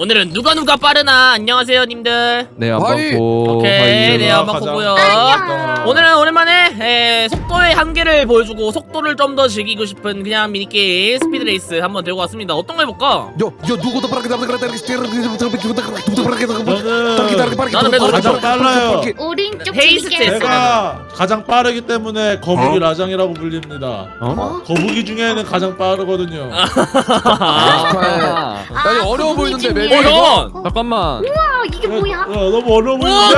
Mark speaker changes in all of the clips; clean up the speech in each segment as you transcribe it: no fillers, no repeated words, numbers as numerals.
Speaker 1: 오늘은 누가 빠르나. 안녕하세요 님들.
Speaker 2: 네, 안방고.
Speaker 1: 오케이, 네, 안방고고요. 오늘은 오랜만에 속도의 한계를 보여주고 속도를 좀 더 즐기고 싶은 그냥 미니게임 스피드레이스 한번 들고 왔습니다. 어떤 거 해볼까? 나는 매도
Speaker 3: 가장 빨라요.
Speaker 4: 오른쪽
Speaker 1: 헤이스트
Speaker 4: 줄게.
Speaker 3: 제가 가장 빠르기 때문에 거북이 라장이라고 불립니다. 거북이 중에는 가장 빠르거든요.
Speaker 2: 아니 어려워 보이는데 맵이.
Speaker 1: 잠깐만.
Speaker 2: 잠깐만.
Speaker 4: 아, 이게 뭐야?
Speaker 3: 너무 어려워 보이는데.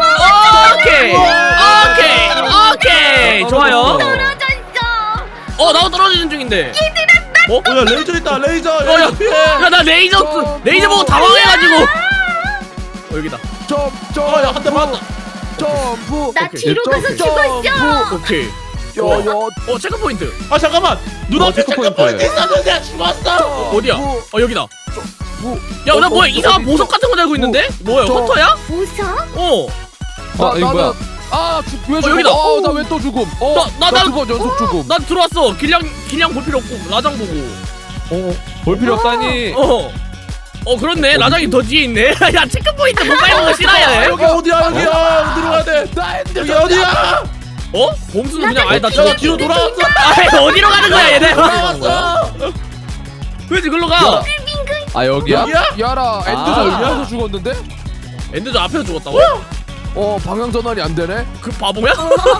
Speaker 1: 오케이. 좋아요.
Speaker 4: 떨어졌어.
Speaker 1: 나도 떨어지는 중인데.
Speaker 3: 야 레이저 있다 레이저.
Speaker 1: 야,
Speaker 3: 피해.
Speaker 1: 야, 나 레이저 보고 당황해가지고. 여기다.
Speaker 3: 야 한 대 맞다.
Speaker 2: 점프.
Speaker 4: 나 뒤로 가서 죽었어.
Speaker 1: 오케이. 체크 포인트.
Speaker 3: 아 잠깐만. 눈앞에
Speaker 2: 체크포인트.
Speaker 3: 체크포인트 있었는데 죽었어.
Speaker 1: 어디야? 여기다. 야, 나 뭐야? 이상한 보석 같은 거 달고 있는데? 뭐야? 허터야?
Speaker 4: 보석?
Speaker 2: 이거 뭐야? 왜 죽어?
Speaker 1: 여기다.
Speaker 2: 나 왜 또 죽음?
Speaker 1: 나
Speaker 2: 두 번 연속 죽음.
Speaker 1: 나 들어왔어. 길냥 볼 필요 없고 라장 보고.
Speaker 2: 볼 필요 없다니.
Speaker 1: 그렇네. 라장이 더 뒤에 있네. 야, 체크 포인트 못 밟는 거 싫어해.
Speaker 3: 여기 어디야 여기야. 어디로 가야 돼? 여기 어디야?
Speaker 1: 범수는 그냥 아예 나
Speaker 3: 야 뒤로 돌아왔어.
Speaker 1: 어디로 가는 거야, 얘네?
Speaker 3: 돌아왔어.
Speaker 1: 그렇지, 글로 가.
Speaker 2: 여기야?
Speaker 3: 여기야?
Speaker 2: 야라 엔드전 여기서 죽었는데?
Speaker 1: 엔드저 앞에서 죽었다고?
Speaker 2: 방향 전환이 안 되네.
Speaker 1: 그 바보야?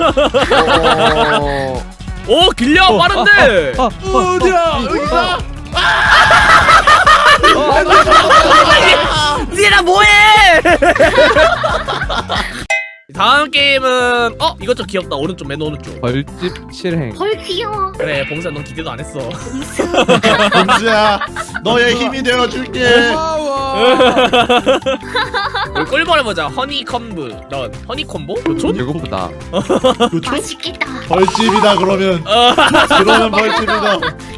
Speaker 1: 길냥 빠른데.
Speaker 3: 어디야? 여기다.
Speaker 1: 니네 뭐해? 다음 게임은 이것 좀 귀엽다. 오른쪽 맨 오른쪽.
Speaker 2: 벌집 실행.
Speaker 4: 벌 귀여워.
Speaker 1: 그래, 범수야, 넌 기대도 안 했어.
Speaker 3: 범수야 너의 힘이 되어줄게.
Speaker 2: 고마워.
Speaker 1: 우리 꿀벌 해보자. 허니콤브. 넌 허니콤보? 교촌?
Speaker 2: 배고프다.
Speaker 4: 맛있겠다.
Speaker 3: 벌집이다 그러면. 그러면 벌집이다.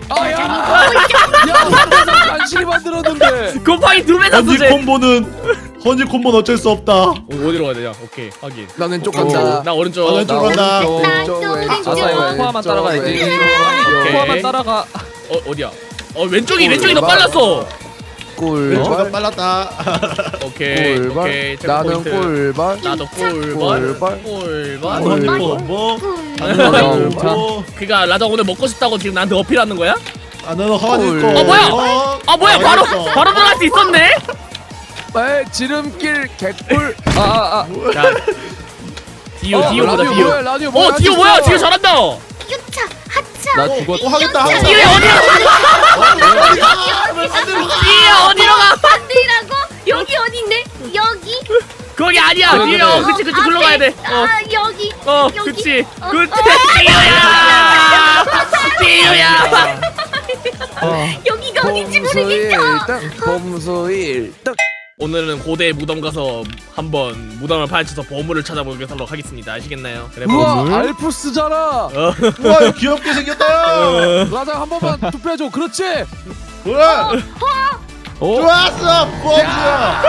Speaker 2: 야, 간신히 만들었는데.
Speaker 1: 곱하기 2배 샀어, 쟤.
Speaker 3: 허니콤보는 어쩔 수 없다.
Speaker 1: 어디로 가야 되냐? 오케이, 확인.
Speaker 2: 나 왼쪽 간다.
Speaker 1: 나 오른쪽.
Speaker 3: 왼쪽 간다.
Speaker 4: 왼쪽.
Speaker 2: 코아만 따라가야지.
Speaker 1: 오케이.
Speaker 2: 코아만 따라가.
Speaker 1: 어디야? 왼쪽이 더 빨랐어.
Speaker 3: 왼쪽가 빨랐다.
Speaker 1: 오케이.
Speaker 2: 나는 꿀벌.
Speaker 1: 나도
Speaker 2: 꿀벌.
Speaker 3: 허니콤보.
Speaker 2: 허니콤보.
Speaker 1: 그니까 라장 오늘 먹고 싶다고 지금 나한테 어필하는 거야?
Speaker 3: 나는 허니콤보.
Speaker 1: 뭐야? 바로 들어갈 수 있었네?
Speaker 2: 지름길 개꿀.
Speaker 1: 자, 디오보다 디오.
Speaker 2: 뭐야, 라디오 뭐야?
Speaker 1: 디오 뭐야? 디오 잘한다.
Speaker 4: 유차, 하차.
Speaker 2: 나 죽었.
Speaker 3: 하겠다.
Speaker 1: 디오 어디로 가?
Speaker 4: 반대라고? 여기 어딘데? 여기?
Speaker 1: 거기 아니야.
Speaker 2: 그래,
Speaker 1: 디오.
Speaker 2: 그래.
Speaker 1: 그치 글로 가야 돼.
Speaker 4: 여기.
Speaker 1: 그치.
Speaker 4: 여기.
Speaker 1: 디오야.
Speaker 4: 여기가 어딘지 모르겠어.
Speaker 2: 범수 1등.
Speaker 1: 오늘은 고대 무덤 가서 한번 무덤을 파헤쳐서 보물을 찾아보도록 하겠습니다. 아시겠나요? 그래,
Speaker 2: 우와,
Speaker 1: 보물.
Speaker 2: 알프스잖아.
Speaker 3: 우와 이거 귀엽게 생겼다.
Speaker 2: 라장 한 번만 투표해줘. 그렇지.
Speaker 3: 뭐야? 좋았어 범수야.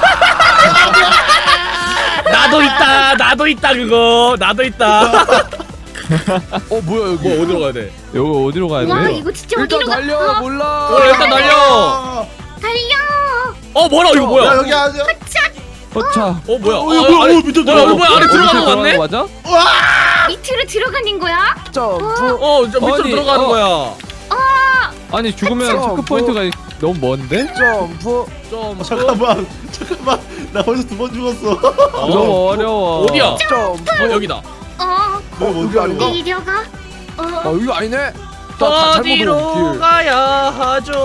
Speaker 1: 나도 있다 그거. 나도 있다.
Speaker 2: 뭐야 여기?
Speaker 1: 어디로 가야 돼?
Speaker 2: 여기 어디로 가야
Speaker 4: 와,
Speaker 2: 돼?
Speaker 4: 이거 진짜
Speaker 2: 일단
Speaker 4: 어디로
Speaker 2: 달려.
Speaker 4: 가?
Speaker 2: 몰라.
Speaker 1: 일단 달려. 뭐라 이거 뭐야?
Speaker 3: 야 여기 아니야.
Speaker 2: 허차.
Speaker 1: 뭐야?
Speaker 3: 밑에
Speaker 1: 뭐야? 안에 들어가는 거 같네?
Speaker 2: 맞아?
Speaker 4: 밑으로 들어가는 거야?
Speaker 2: 점프.
Speaker 1: 저 밑으로
Speaker 2: 아니,
Speaker 1: 들어가는 거야.
Speaker 2: 아니 죽으면 체크 포인트가 너무 먼데? 점프.
Speaker 3: 잠깐만 나 벌써 2번 죽었어.
Speaker 2: 너무 어려워.
Speaker 1: 어디야?
Speaker 2: 점프.
Speaker 1: 여기다.
Speaker 3: 여기 아닌가?
Speaker 4: 내려가.
Speaker 2: 여기 아니네.
Speaker 1: 어디로 가야 하죠?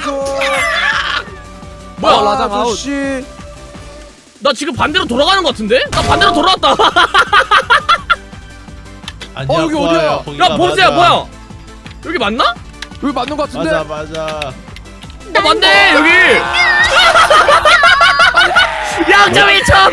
Speaker 1: 뭐야?
Speaker 2: 라장 아웃.
Speaker 1: 나 지금 반대로 돌아가는 거 같은데? 나 반대로 돌아왔다.
Speaker 3: 아니야,
Speaker 2: 여기 어디야?
Speaker 1: 야, 범수야 뭐야? 여기 맞나?
Speaker 2: 여기 맞는 거 같은데?
Speaker 3: 맞아.
Speaker 1: 맞네 여기. 양점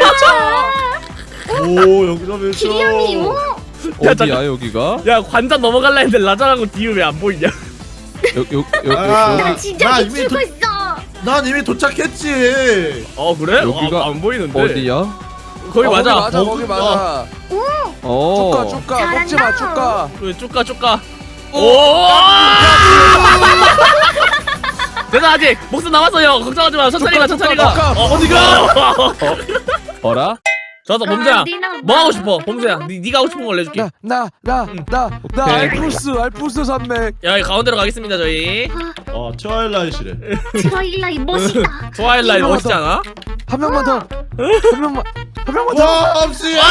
Speaker 1: 1점.
Speaker 3: 오 여기서 몇
Speaker 4: 기량이
Speaker 2: 어디야 여기가?
Speaker 1: 야, 관전 넘어갈라 했는데 라장하고 디우 왜 안 보이냐?
Speaker 2: 여기.
Speaker 4: 나 진짜
Speaker 3: 나 이미
Speaker 4: 미치고 있어.
Speaker 3: 난 이미 도착했지.
Speaker 1: 그래?
Speaker 2: 여기가
Speaker 1: 안 보이는데.
Speaker 2: 어디야?
Speaker 1: 거기 맞아.
Speaker 2: 거기 맞아. 쭉가
Speaker 4: 잘한다.
Speaker 2: 먹지마 쭉가.
Speaker 1: 왜 쭉가. 오! 내가 아직 목숨 남았어요. 걱정하지 마. 천천히 가, 천천히 가. 어디가?
Speaker 2: 어라?
Speaker 1: 좋았어, 범수야. 뭐 하고 싶어, 범수야? 네가 하고 싶은 걸 내줄게.
Speaker 5: 나
Speaker 2: 오케이.
Speaker 5: 알프스 산맥.
Speaker 1: 야, 이 가운데로 가겠습니다, 저희.
Speaker 3: 트와일라이트래.
Speaker 4: 트와일라이 멋있다.
Speaker 1: 트와일라이트
Speaker 5: 이거
Speaker 1: 멋있지 않아?
Speaker 5: 한 명만 더. 한 명만 더.
Speaker 3: 와, 범수야!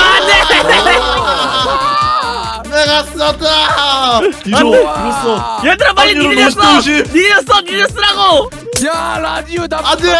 Speaker 3: 내가 썼다! 이거
Speaker 1: 얘들아, 빨리
Speaker 3: 확률은
Speaker 1: 니네 써!
Speaker 3: 50대 50.
Speaker 1: 니네 써! 니네 쓰라고!
Speaker 5: 야 라디오 나.
Speaker 3: 안돼!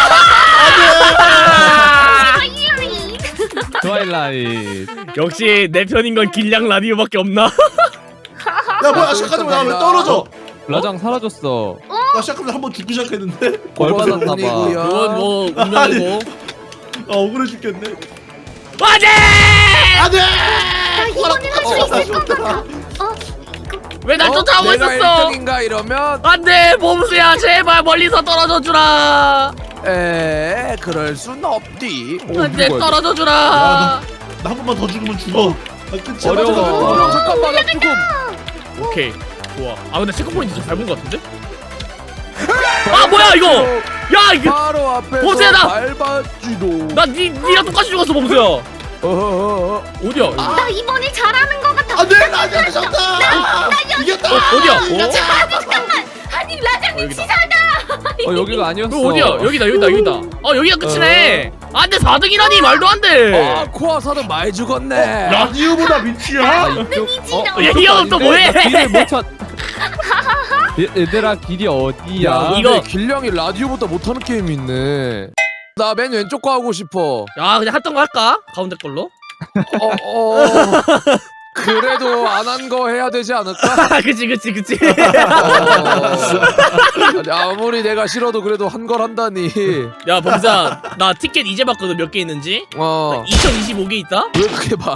Speaker 4: 트와일라이.
Speaker 2: 트와일라이트.
Speaker 1: 역시 내 편인 건 길냥 라디오밖에 없나?
Speaker 3: 야 뭐야 시작하자마자 나 왜 떨어져?
Speaker 2: 라장 사라졌어.
Speaker 3: 나 시작하면 한번 죽기 시작했는데?
Speaker 2: 벌 받았나봐.
Speaker 1: 그건 뭐 운명이고.
Speaker 3: 아 억울해 죽겠네.
Speaker 1: 안돼!
Speaker 3: 안돼!
Speaker 4: 나 이번엔 할 수 있을 것 같아.
Speaker 1: 왜 날 쫓아오고
Speaker 5: 내가
Speaker 1: 있었어?
Speaker 5: 1등인가 이러면
Speaker 1: 안돼, 범수야, 제발 멀리서 떨어져 주라.
Speaker 5: 그럴 순 없디.
Speaker 1: 안돼, 떨어져
Speaker 3: 야,
Speaker 1: 주라.
Speaker 3: 나 한 번만 더 죽으면 죽어. 아, 끝이야.
Speaker 2: 어려워.
Speaker 5: 잠깐만 나 조금.
Speaker 1: 오케이, 좋아. 아 근데 체크포인트 좀 밟은 것 같은데? 아 뭐야 이거? 야 이거
Speaker 5: 바로 앞에서
Speaker 1: 범수야, 나-
Speaker 5: 밟았지도.
Speaker 1: 나 니랑 똑같이 죽었어, 범수야. 어디야?
Speaker 4: 나 이번에 잘하는 것 같아.
Speaker 3: 안돼 나 이겼다. 이겼다.
Speaker 1: 어디야?
Speaker 4: 잠깐만. 아니 라장님
Speaker 1: 여기다.
Speaker 4: 치사하다.
Speaker 2: 여기가 아니었어.
Speaker 1: 어디야? 여기다. 여기가 끝이네. 안돼, 4등이라니 말도 안 돼.
Speaker 5: 코아 사도 많이 죽었네.
Speaker 3: 라디오보다 밑이야?
Speaker 1: 이 형은 또 뭐해?
Speaker 2: 길을 못 찾. 얘들아 길이 어디야?
Speaker 5: 야,
Speaker 1: 이거-
Speaker 5: 근데 길냥이 라디오보다 못하는 게임이 있네. 나 맨 왼쪽 거 하고 싶어.
Speaker 1: 야, 그냥 했던 거 할까? 가운데 걸로?
Speaker 5: 그래도 안 한 거 해야 되지 않을까?
Speaker 1: 그치.
Speaker 5: 아니, 아무리 내가 싫어도 그래도 한 걸 한다니.
Speaker 1: 야, 범수야, 나 티켓 이제 봤거든. 몇 개 있는지. 2025개 있다?
Speaker 5: 왜 그렇게 많아?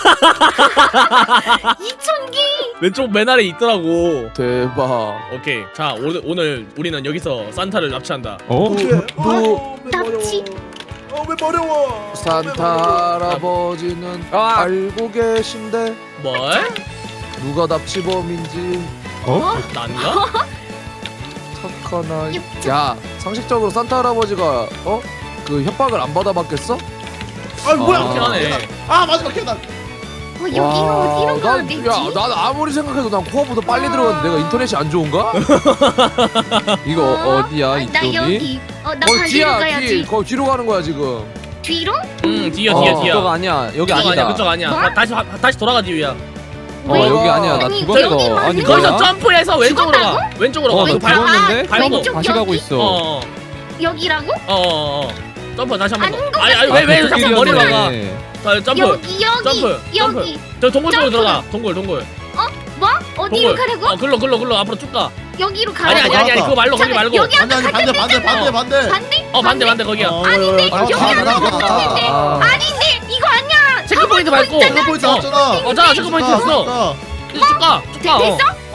Speaker 4: 2,000개.
Speaker 1: 왼쪽 맨 아래 있더라고.
Speaker 5: 대박.
Speaker 1: 오케이. 자, 오늘 우리는 여기서 산타를 납치한다.
Speaker 4: 납치.
Speaker 3: 왜 어려워?
Speaker 5: 산타 할아버지는 알고 계신데
Speaker 1: 뭘?
Speaker 5: 누가 납치범인지.
Speaker 1: 난가?
Speaker 5: 착한 아이. 야, 상식적으로 산타 할아버지가 그 협박을 안 받아봤겠어?
Speaker 3: 아 뭐야?
Speaker 1: 그렇긴 하네.
Speaker 3: 아 마지막 계단.
Speaker 4: 여기가 어디로 가야 되지?
Speaker 5: 난 아무리 생각해도 난 코어보다 빨리 들어갔는데 내가 인터넷이 안 좋은가?
Speaker 2: 이거 어디야
Speaker 4: 나
Speaker 2: 이쪽이?
Speaker 4: 여기. 나
Speaker 5: 거기
Speaker 4: 반대로
Speaker 5: 뒤야,
Speaker 4: 가야지.
Speaker 5: 거기 뒤로 가는 거야 지금.
Speaker 4: 뒤로?
Speaker 1: 뒤야.
Speaker 2: 그쪽 아니야. 여기
Speaker 1: 그쪽
Speaker 2: 아니다.
Speaker 1: 아니야. 그쪽 아니야.
Speaker 4: 뭐?
Speaker 1: 다시 돌아가, 뒤야.
Speaker 4: 왜?
Speaker 2: 여기 아니야. 나
Speaker 4: 아니,
Speaker 2: 죽었어.
Speaker 4: 여기
Speaker 2: 아니
Speaker 1: 거기서
Speaker 2: 뭐야?
Speaker 1: 점프해서 왼쪽으로 가. 왼쪽으로 가.
Speaker 2: 나
Speaker 1: 이거
Speaker 2: 죽었는데?
Speaker 1: 밟고.
Speaker 4: 왼쪽
Speaker 2: 다시 가고
Speaker 4: 여기?
Speaker 2: 있어.
Speaker 4: 여기라고?
Speaker 1: 점프 다시 한 번
Speaker 4: 아닌
Speaker 1: 더.
Speaker 4: 것
Speaker 1: 아니 왜 자꾸 머리로 가? 자, 점프.
Speaker 4: 여기.
Speaker 1: 점프. 저 동굴 쪽으로 들어가. 동굴.
Speaker 4: 뭐? 어디로
Speaker 1: 동굴.
Speaker 4: 가라고?
Speaker 1: 글로 앞으로 쭉 가.
Speaker 4: 여기로
Speaker 1: 아니
Speaker 4: 가라고?
Speaker 1: 그거 말고 거기 말고.
Speaker 4: 여기
Speaker 3: 아니 반대.
Speaker 4: 반대?
Speaker 1: 거기야.
Speaker 4: 아닌데
Speaker 5: 아,
Speaker 4: 여기
Speaker 5: 나가.
Speaker 4: 아닌데 이거 아니야.
Speaker 1: 체크포인트 밟고.
Speaker 3: 체크포인트 왔잖아.
Speaker 1: 자, 체크포인트 있어. 쭉 가.
Speaker 4: 됐어?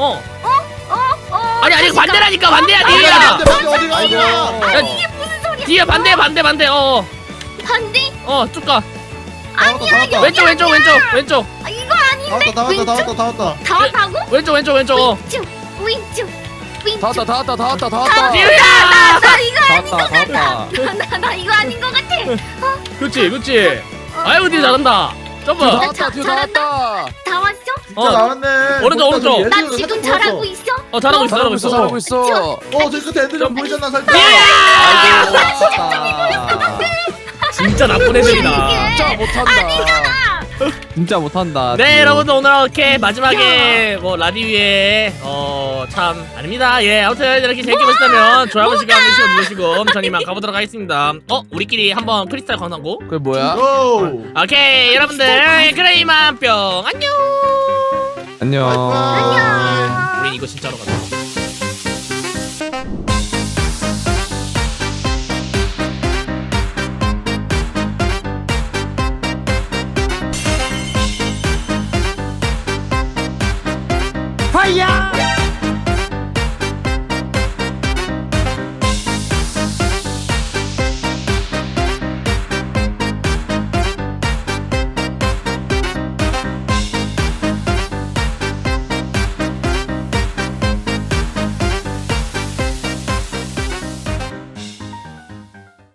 Speaker 1: 아니 반대라니까. 반대야,
Speaker 3: 반대
Speaker 1: 뒤야.
Speaker 3: 어디가?
Speaker 4: 이게 무슨 소리야?
Speaker 1: 뒤에 반대.
Speaker 4: 반대?
Speaker 1: 쭉 가.
Speaker 3: 나왔다.
Speaker 1: 왼쪽.
Speaker 4: 이거 아닌데?
Speaker 3: 다 왔다.
Speaker 4: 다 왔다고?
Speaker 1: 왼쪽.
Speaker 4: 왼쪽.
Speaker 5: 다 왔다.
Speaker 1: 뒤야.
Speaker 4: 나 이거
Speaker 2: 다 왔다.
Speaker 4: 나 이거 아닌 것 같아.
Speaker 1: 그렇지. 아이고, 뒤에 잘한다. 점프.
Speaker 5: 다 왔다.
Speaker 4: 다 왔어?
Speaker 3: 진짜 나왔네.
Speaker 1: 오른쪽.
Speaker 4: 나 지금 잘하고 있어?
Speaker 1: 잘하고 있어.
Speaker 3: 저 끝에 애들이 보이잖아 살짝.
Speaker 1: 진짜 나쁜 애들이다.
Speaker 5: 진짜 못한다.
Speaker 2: 진짜 못한다.
Speaker 1: 네, 여러분들 오늘 이렇게 마지막에 뭐 라디오에 참 아닙니다. 예, 아무튼 이렇게 재밌게 보셨다면 좋아요 버튼 시간 누르시고 전 이만 가보도록 하겠습니다. 우리끼리 한번 크리스탈 광산고.
Speaker 5: 그게 뭐야?
Speaker 3: 고.
Speaker 1: 오케이, 여러분들 그래 이만 뿅 안녕.
Speaker 2: 안녕.
Speaker 3: 안녕.
Speaker 1: 우리 이거 진짜로 가자.